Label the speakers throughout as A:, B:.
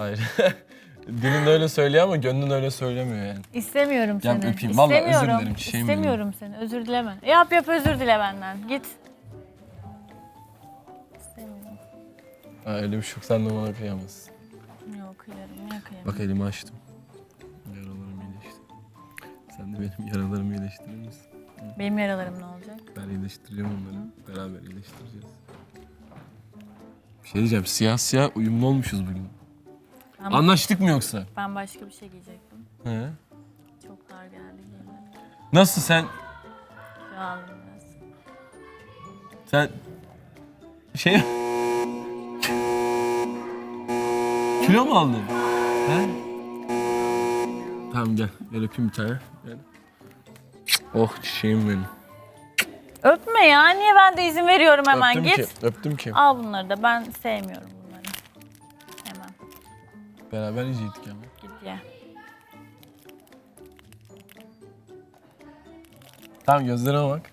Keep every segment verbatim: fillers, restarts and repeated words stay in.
A: Hayır. Dilin öyle söylüyor ama gönlün öyle söylemiyor yani.
B: İstemiyorum
A: Gel
B: seni.
A: öpeyim. Vallahi özür
B: İstemiyorum.
A: dilerim, çiçeğim benim.
B: İstemiyorum seni. Özür dileme. Yap yap özür dile benden. Git. İstemiyorum.
A: Ha, öyle bir şey yok. Sen de bana kıyamazsın.
B: Yok kıyarım. Niye kıyarım?
A: Bak elimi açtım. Yaralarım iyileşti. Sen de benim yaralarımı iyileştirir misin?
B: Benim yaralarım ne olacak?
A: Ben iyileştireceğim onları. Beraber iyileştireceğiz. Bir şey diyeceğim. Siyah siyah uyumlu olmuşuz bugün.
B: Ben,
A: Anlaştık mı yoksa?
B: ben başka bir şey giyecektim.
A: He.
B: Çok dar geldi giymedim.
A: Nasıl sen?
B: Kilo aldım biraz.
A: Sen şey kilo mu aldın? He? Tamam gel. Gel öpeyim bir tane. Gel. Oh çiçeğim benim.
B: Öpme ya. Niye ben de izin veriyorum hemen?
A: Öptüm
B: Git.
A: ki. Öptüm ki.
B: Al bunları da. Ben sevmiyorum bunları. Hemen.
A: Beraber yiyecektik ama.
B: Git ye.
A: Tamam gözlerime bak.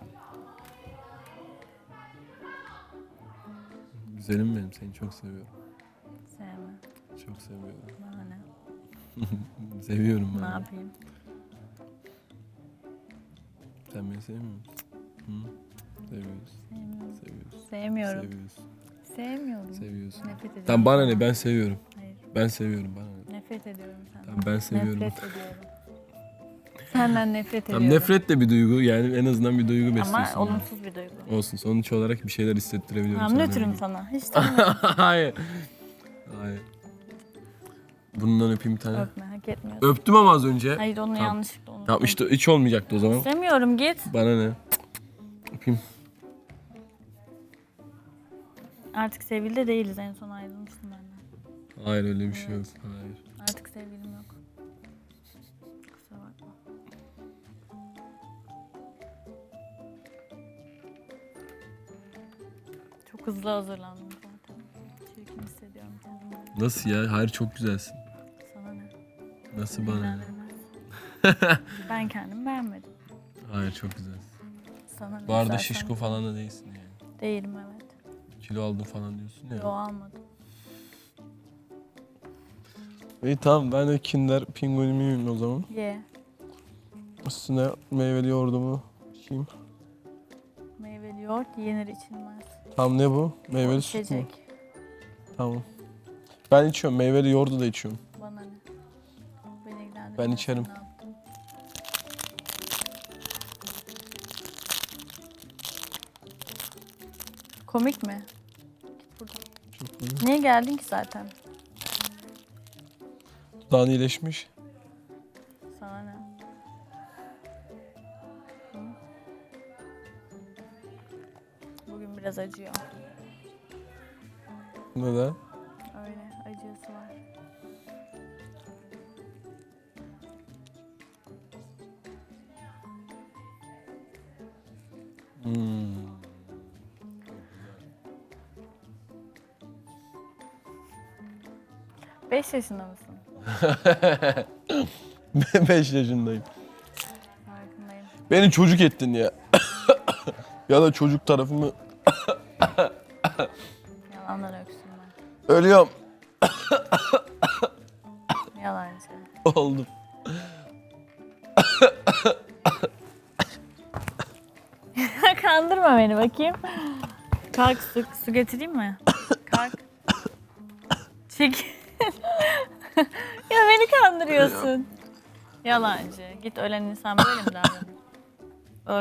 A: Güzelim benim. Seni çok seviyorum.
B: Sevme.
A: Çok seviyorum.
B: Bana ne?
A: Seviyorum ben.
B: Ne yapayım?
A: Sen beni sevmiyor musun? Hı? Seviyorsun.
B: Sevmiyorum.
A: Seviyorsun.
B: Sevmiyorum.
A: Seviyorsun.
B: Sevmiyorum.
A: Seviyorsun.
B: Nefret ediyorum.
A: Tamam bana ne? Ben seviyorum.
B: Hayır.
A: Ben seviyorum bana ne?
B: Nefret ediyorum senden.
A: Tamam ben seviyorum.
B: Nefret ediyorum. Senden nefret
A: Tamam
B: ediyorum.
A: nefret de bir duygu yani en azından bir duygu
B: Ama
A: besliyorsun.
B: olumsuz bir duygu.
A: Olsun sonuç olarak bir şeyler hissettirebiliyorum
B: Tamam
A: sana.
B: nötrüm sana. Hiç tanımıyorum.
A: Hayır. Hayır. Bundan öpeyim bir tane.
B: Öpme hak etmiyorsun.
A: Öptüm ama az önce.
B: Hayır onu
A: Tamam.
B: yanlışlıkla unuttum.
A: Tamam işte hiç olmayacaktı o zaman.
B: İstemiyorum git.
A: Bana ne? Öpeyim.
B: Artık sevgili de değiliz. En son ayrılmıştım benden.
A: Hayır öyle bir şey yok. Hayır.
B: Artık sevgilim yok. Kusura bakma. Çok hızlı hazırlandım zaten. Çirkin hissediyorum kendimi.
A: Nasıl ya? Hayır çok güzelsin.
B: Sana ne?
A: Nasıl bana ne?
B: İlgilendirmez. Ben kendimi beğenmedim.
A: Hayır çok güzelsin.
B: Sana ne?
A: Bu arada
B: Zaten
A: şişko falan da değilsin yani.
B: değilim evet.
A: Kilo aldın falan diyorsun ya.
B: Yo almadım.
A: İyi tamam ben de Kinder Pinguin'imi yiyeyim o zaman.
B: Ye.
A: Üstüne meyveli yoğurdumu yiyeyim.
B: Meyveli yoğurt yenir içilmez.
A: Tamam ne bu? Meyveli
B: O
A: süt mü?
B: içecek.
A: Tamam. Ben içiyorum. Meyveli yoğurdu da içiyorum.
B: Bana ne? Beni ilgilendirmez.
A: Ben içerim.
B: Ne yaptın? Komik mi? Git buradan.
A: Çok iyi.
B: Niye geldin ki zaten?
A: Dudağın iyileşmiş.
B: Sana ne? Hı? Bugün biraz acıyor.
A: Neden?
B: Öyle acısı var.
A: Hmm.
B: Beş yaşında mısın?
A: Beş yaşındayım.
B: Farkındayım.
A: Beni çocuk ettin ya. Ya da çocuk tarafımı
B: Yalanlar öksürme.
A: ölüyorum.
B: Yalancı.
A: Oldum.
B: Kandırma beni bakayım. Kalk su, su getireyim mi? Kalk. Çek. Ya beni kandırıyorsun. Yalancı. Git ölen insan böyle mi davranır? Öl.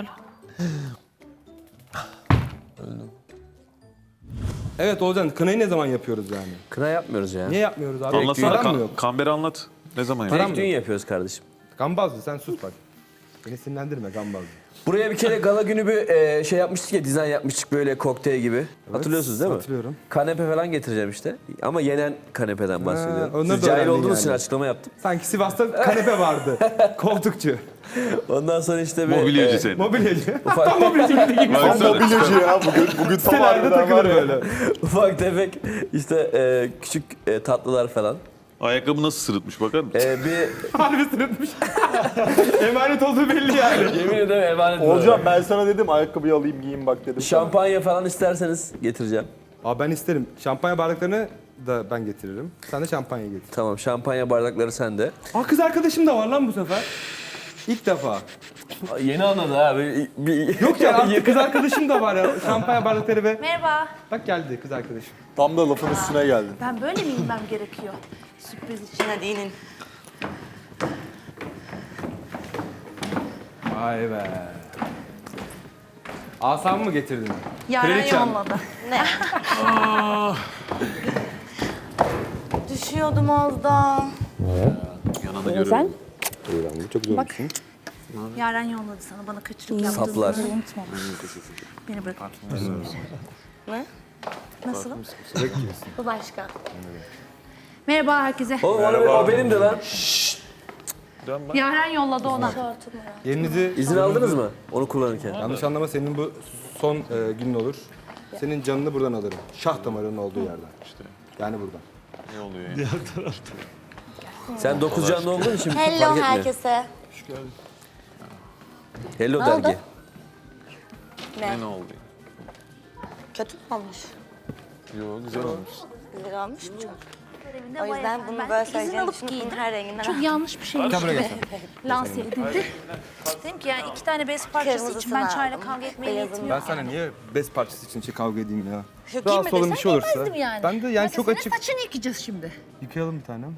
A: Öldüm.
C: Evet Ozan, kınayı ne zaman yapıyoruz yani?
D: Kına yapmıyoruz ya.
C: Niye yapmıyoruz abi?
E: Anlatsana.
C: Param mı
E: Kan,
C: yok?
E: Kamberi anlat. Ne zaman
C: Param
E: yapıyorsun?
C: mı
D: Direkt
C: yok?
D: düğün yapıyoruz kardeşim.
C: Gambazlı sen sus bak. Beni sinirlendirme gambazlı.
D: Buraya bir kere gala günü bir e, şey yapmıştık ya, dizayn yapmıştık böyle kokteyl gibi. Hatırlıyorsunuz değil mi?
C: Hatırlıyorum.
D: Kanepe falan getireceğim işte. Ama yenen kanepeden bahsediyorum.
C: onları
D: Siz
C: da
D: cahil
C: öğrendin
D: olduğunuz için
C: yani.
D: açıklama yaptım.
C: Sanki Sivas'ta kanepe vardı. Koltukçu.
D: Ondan sonra işte bir...
E: Mobilyacı
D: e,
E: senin.
C: Mobilyacı.
D: ufak,
E: Baksana.
F: Mobilyacı ya bugün bugün tam
C: Sitelerde
F: harbiden
C: takılır
F: var ya.
C: böyle.
D: ufak tefek işte e, küçük e, tatlılar falan.
E: Ayakkabı nasıl sırıtmış bakar mısın?
D: E, bir...
C: Harbi sırıtmış. Emanet olduğu belli yani.
D: Yemin ederim emanet
F: Olcan ben sana dedim ayakkabıyı alayım giyeyim bak dedim.
D: Şampanya falan isterseniz getireceğim.
C: Abi ben isterim. Şampanya bardaklarını da ben getiririm. Sen de şampanya getir.
D: Tamam, şampanya bardakları sende.
C: Aa kız arkadaşım da var lan bu sefer. İlk defa.
D: Yeni anladı abi. Bir...
C: Yok ya artık kız arkadaşım da var ya. Şampanya bardakları ve...
G: Merhaba.
C: Bak geldi kız arkadaşım.
F: Tam da lafın üstüne geldin.
G: Ben böyle mi inmem gerekiyor? Sürpriz için hadi inin.
C: Vay be. Asamı mı getirdin?
G: Yaren
C: Kraliçem.
G: yolladı. Ne? Düşüyordum az daha.
E: Yanında görüyorum.
C: Çok güzel olmuşsun.
G: Yaren yolladı sana bana kaçırıp yaptığını
D: Saplar.
G: unutma. Beni bırak. Ne? Nasıl? Bu başka. Merhaba herkese.
D: Oğlum onu be- o benim de lan.
G: Yaren yolladı ona.
C: Yerinizi...
D: İzin aldınız mı onu kullanırken?
C: Yanlış anlama senin bu son e, günün olur. Senin canını buradan alırım. Şah damarının olduğu yerden. İşte. Yani buradan.
E: Ne oluyor ya?
D: Sen dokuz canlı olduğun için fark
G: Hello
D: etmiyor.
G: herkese.
D: Hello
G: Ne
D: dergi.
G: oldu?
E: Ne, ne oldu?
G: Kötü mü olmuş?
E: Yo güzel olmuş.
G: Güzel olmuş mu? O yüzden bunu böyle söyleyeceğim için bunun her renginden
B: Çok yanlış bir şeymiş
C: Gel buraya
B: gibi
C: gel.
B: lanse edildi. Dedim ki yani iki tane bez parçası için ben
G: Kırmızısını
B: çayla
G: aldım.
B: kavga etmeye
G: Beyazını
B: niyetim
C: Ben
B: yok.
C: sana niye bez parçası için şey kavga edeyim ya?
G: Yok,
C: Rahatsız
G: giyme
C: olan bir şey olursa.
B: Demezdim yani.
C: Ben de yani
B: Mesela
C: çok
B: senin
C: açık.
B: saçını yıkayacağız şimdi.
C: Yıkayalım bir tanem.